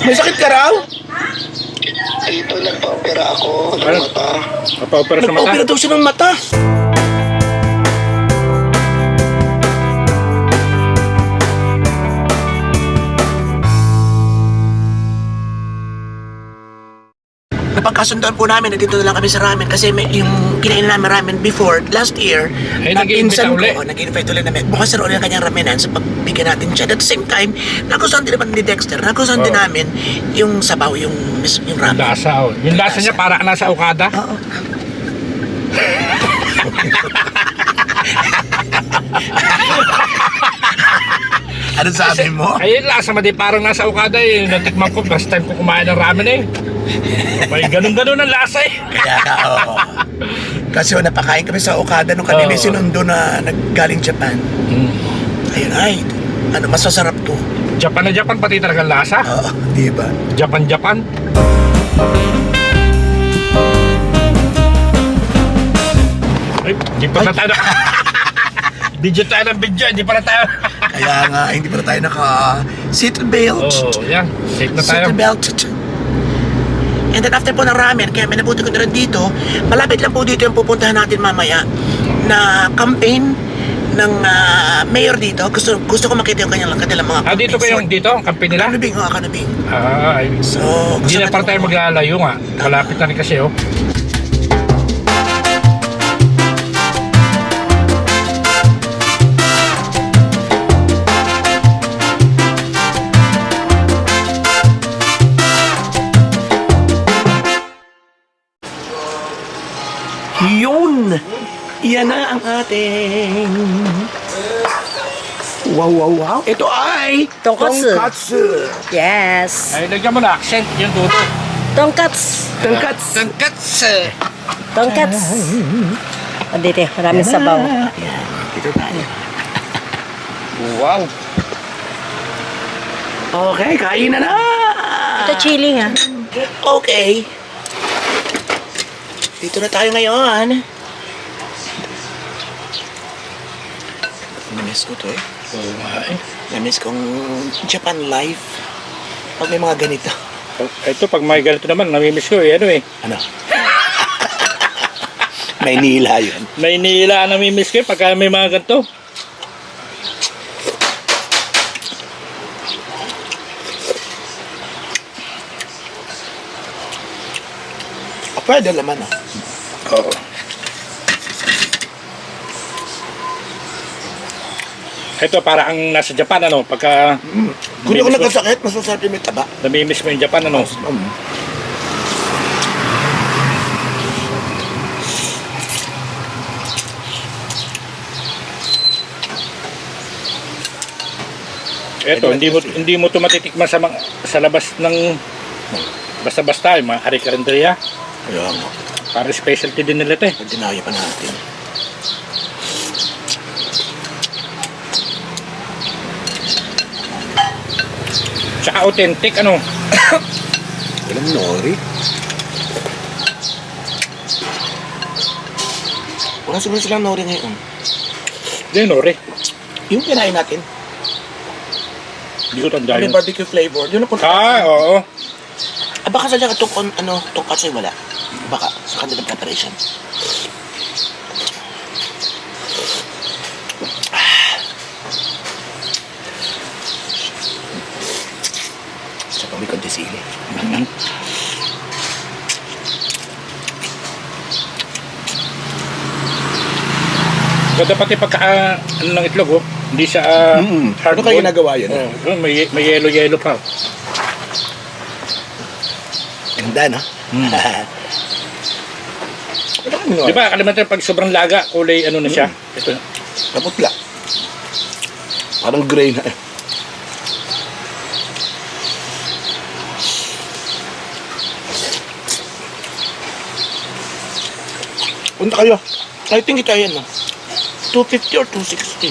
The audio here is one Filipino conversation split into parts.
May sakit ka raw? Dito nagpa-opera ako ng Ano? mata. Nagpa-opera sa mata. Nagpa-opera daw siya ng mata. Napagkasundoan po namin na dito na lang kami sa ramen kasi may, yung kinain namin ramen before, last year, Ay, nag-i-invite pinsan ka uli? ko, nag-invite ulit namin. Bukas na ulit ang kanyang ramenan sa pagbigyan natin siya. At the same time, nagustuhan din naman ni Dexter, nagustuhan din Oo. namin yung sabaw, yung ramen. Lasa, oh. Yung lasa niya para nasa Okada. Oo. Ano sabi mo? Ay, yung lasa mo di parang nasa Okada eh. Natikman ko, last time ko kumain ng ramen eh. May ganun-ganun ang lasa eh. Kaya nga, oo. Kasi napakain kami sa Okada nung kami may Oo. sinundo na naggaling Japan. Ayun, ay, ano, mas masarap to. Japan na Japan, pati talaga ang lasa. Oo, di ba? Japan. Ay, di pa na tayo. Video tayo ng video, hindi pa na tayo. Kaya nga, hindi pa na tayo naka-seatbelt. Oh, yan. Safe na tayo. Seatbelt. And then after po ng ramen, kaya may nabuti ko na rin dito, malapit lang po dito yung pupuntahan natin mamaya na campaign ng mayor dito. Gusto ko makita yung kanilang mga Ah, dito campaigns. kayong dito, ang kampi nila? Kanubing, oo, Kanubing. Ah, ay. So, Hindi na gusto para tayo maglalayo nga. Malapit na rin kasi oh. Yun! Yan na ang ating... Wow. Ito ay... Tonkatsu. Tonkatsu. Yes. Ay, lagyan mo na accent yung dudo. Tonkats. Tonkatsu. Tonkats. O dito, maraming sabaw. Yan. Ito tayo. Wow. Okay, kain na na! Ito chili nga. Okay. Dito na tayo ngayon. Namiss ko to eh. Oo nga eh. Namiss kong Japan life. Pag may mga ganito. Ito, pag may ganito naman, namimiss ko eh. Ano eh. Ano? Maynila yun. Maynila ang namimiss ko eh, pagka may mga ganito. Pwede naman ah. Oo. Ito, para ang nasa Japan, ano, pagka Kung di ako nagkasakit, mas masarap yung may taba. namimiss mo yung Japan, ano. Ito, hindi mo ito matitikman sa labas ng basta-basta, yung mga hari-karinderya. Kaya nga. Para specialty din nila ito eh. Pagdinayo pa natin. Tsaka authentic, ano. Walang nori. Wala siguro silang nori ngayon. Hindi, nore. Yung kinain natin, Hindi ko tanda may yun. barbecue flavor. Yun ang punta. Ah, oo. Ah, baka sadya tungkatsu wala. Baka sa kanilang preparation. Sa pang may konti sili. Ganda pati pagka, ano ng itlog, oh. Hindi siya hard Ano kayo ginagawa yun? Oh, doon, may yellow pa. Ganda, no? Ano kami Di ba, kalimantan pag sobrang laga, kulay ano na siya. Ito. Kaputla. Parang gray na eh. Punta kayo. I think ito ayan, no? 250 or 260.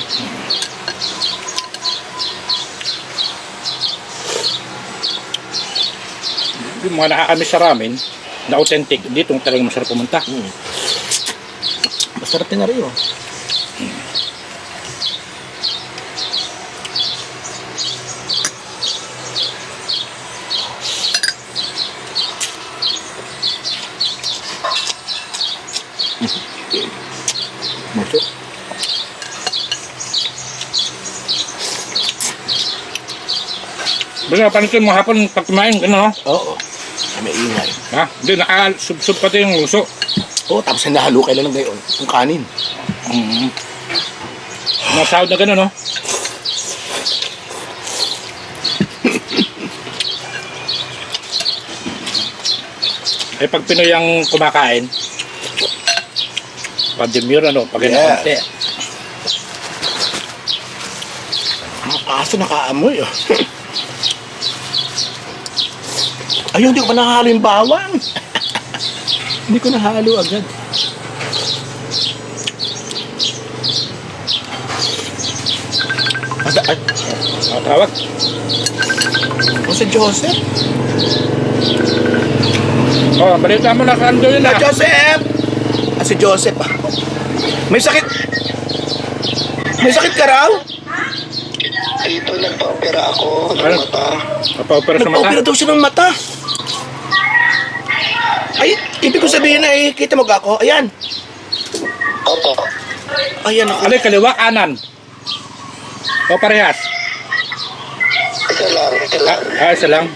Yung mga nakakamiss sa ramen, na authentic, dito talagang masarap pumunta. Masarap din na rin, oh. Muso. Basta panitin mo hapon pag kumain ka na, Oo. Ay, may ingay. ha? Hindi, nakasub-sub pati yung luso. Oo, tapos nahalo kayo lang ngayon. Yung kanin. Nasahod na gano'n, no? Eh, pag Pinoy ang kumakain, pandemure, ano, pag Yeah. konti. Ang aso nakaamoy, oh. Ayun, hindi ko pa nahalo yung bawang. Hindi ko nahalo agad. Ay, Tawag. o si Joseph. Oh, balita mo na kando yun, Na ha? Joseph! Ah, si Joseph, ah. May sakit. May sakit ka raw? Ito, nagpa-opera ako ng Ano? mata. Nagpa-opera sa mata. Nagpa-opera daw siya ng mata. Ay, ibig ko sabihin na eh, kita mo ga ako? Ayan. Opo. Ayan ako. Alay, kaliwa, kanan. O parehas. Isa lang, isa lang. Isa lang.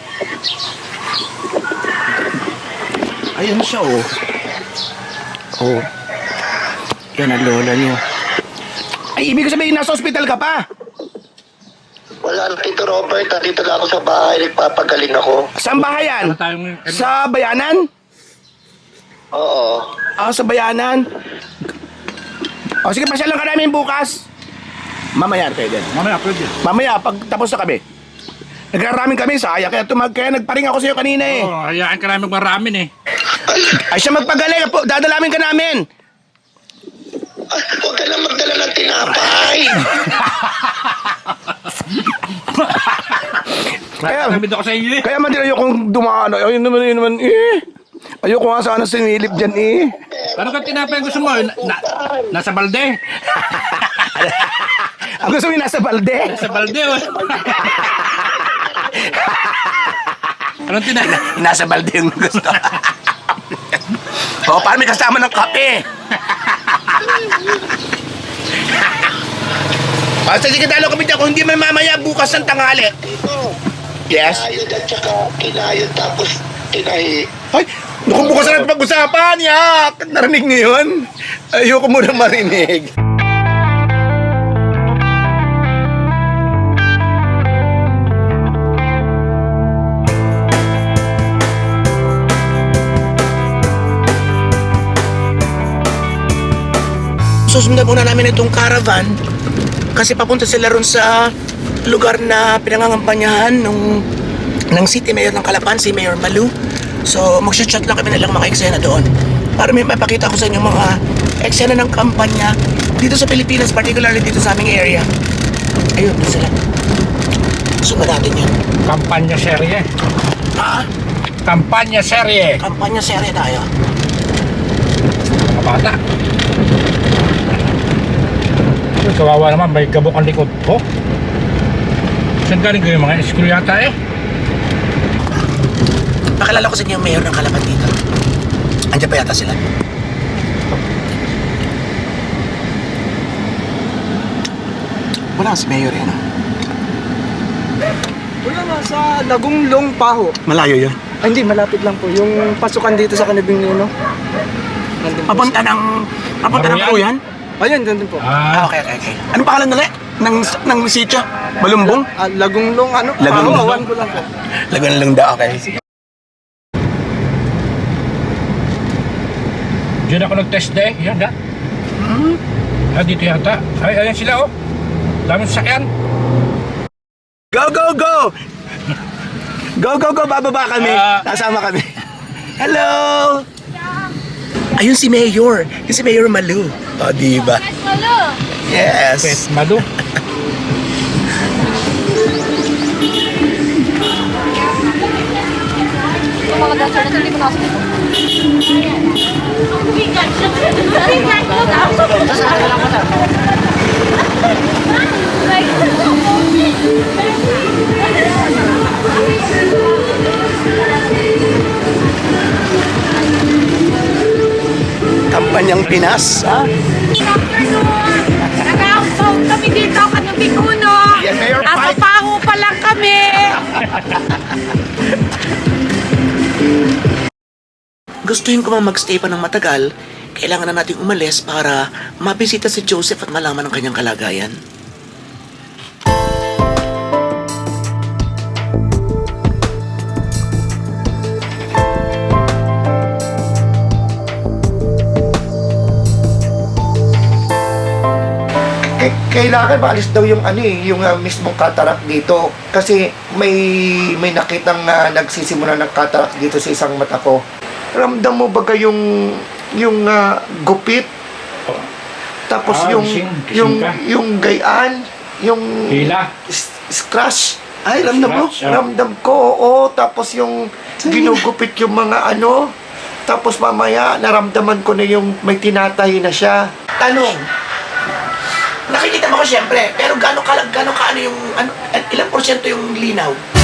Ayan siya, oh. Oh. Yan ang lola niyo. Ay, ibig ko sabihin, nasa hospital ka pa. Wala na, Tito Robert. Dito lang ako sa bahay. Nagpapagaling ako. Saan bahayan? Ano tayong... Sa bayanan? Oo. Ah, sa bayanan. O, sige, pasyalan ka namin bukas. Mamaya kayo din. Mamaya, pwede. Mamaya, pag tapos na kami. Nagraraming kami, saya. Kaya nagparing ako sa'yo kanina eh. Oo, hayaan ka namin magmaramin eh. Ay, siya magpagaling. Dadalamin ka namin. Huwag ka na magdala ng tinapay. Kaya- Natamid ako sa inyo eh. Kaya man din ayokong dumaan. Ayun naman eh. Ayoko nga sana sinilip dyan eh. Ano ka tinapay ang gusto mo? Nasa balde? Ang gusto mo yung nasa balde. Nasa balde, oh. Anong tinapay? Nasa balde yung gusto. O, paano may kasama ng kape? Basta sige talo kami dyan. Kung hindi may mamaya bukas ng tanghali. Ito. Yes? Kinayod at saka kinayod tapos kinahi. Ay, kung bukas na natin pag-usapan, yak! Narinig niyo yun? Ayoko muna marinig. Susundan muna namin itong caravan kasi papunta sila ron sa lugar na pinangangampanyahan ng City Mayor ng Calapan, si Mayor Malu. So, mag-chat lang kami nilang mga eksena doon para may mapakita ko sa inyo mga eksena ng kampanya dito sa Pilipinas, particularly dito sa aming area. Ayun, doon sila. Sundan natin yun. Kampanya serye. Ha? Kampanya serye. Kampanya serye tayo. Mga bata. Uy, kawawa naman, may gabok ang likod ko. Saan galing ko yung mga school yata eh? Pakilala ko sa inyo yung mayor ng Calapan dito. Andiyan pa yata sila. Wala si mayor yan. Wala nga, sa Lagunglong Paho. Malayo yun. Ay, hindi, malapit lang po. Yung pasukan dito sa Kanibing Nino. Nandun po. Papunta ng Karuyan? Ayun, nandun po. Ah, okay. Anong pangalan nila? Ng sitio? Balumbong? Lagunglong, ano? Lagunglong. Paho, awan ko lang po. Lagan lang daw, okay. Diyan ako nag-test day. Yan, da. Dito yata. Ay, ayan sila, oh. Daming sasakyan. Go, go, go! Go, go, go! Bababa kami. Kasama kami. Hello! Ayun si Mayor. Yung si Mayor Malu. O, diba? Yes. Pet Madu. Mga dancer na hindi ko nakasunod. Kampanyang Pinas, ha? gustuhin ko mang magstay pa ng matagal, kailangan na nating umalis para mabisita si Joseph at malaman ang kanyang kalagayan. Kailangan maalis daw yung yung mismong cataract dito kasi may nakitang nagsisimula ng cataract dito sa isang mata ko. Ramdam mo ba yung gupit? Tapos yung gayaan, yung Hila. scratch. Ay, ramdam mo? Scratch, ah. Ramdam ko, oo. Tapos yung ginugupit yung mga Tapos mamaya, naramdaman ko na yung may tinatahi na siya. Tanong, nakikita mo ko siyempre, pero gano'n ka yung, ilang porsyento yung linaw?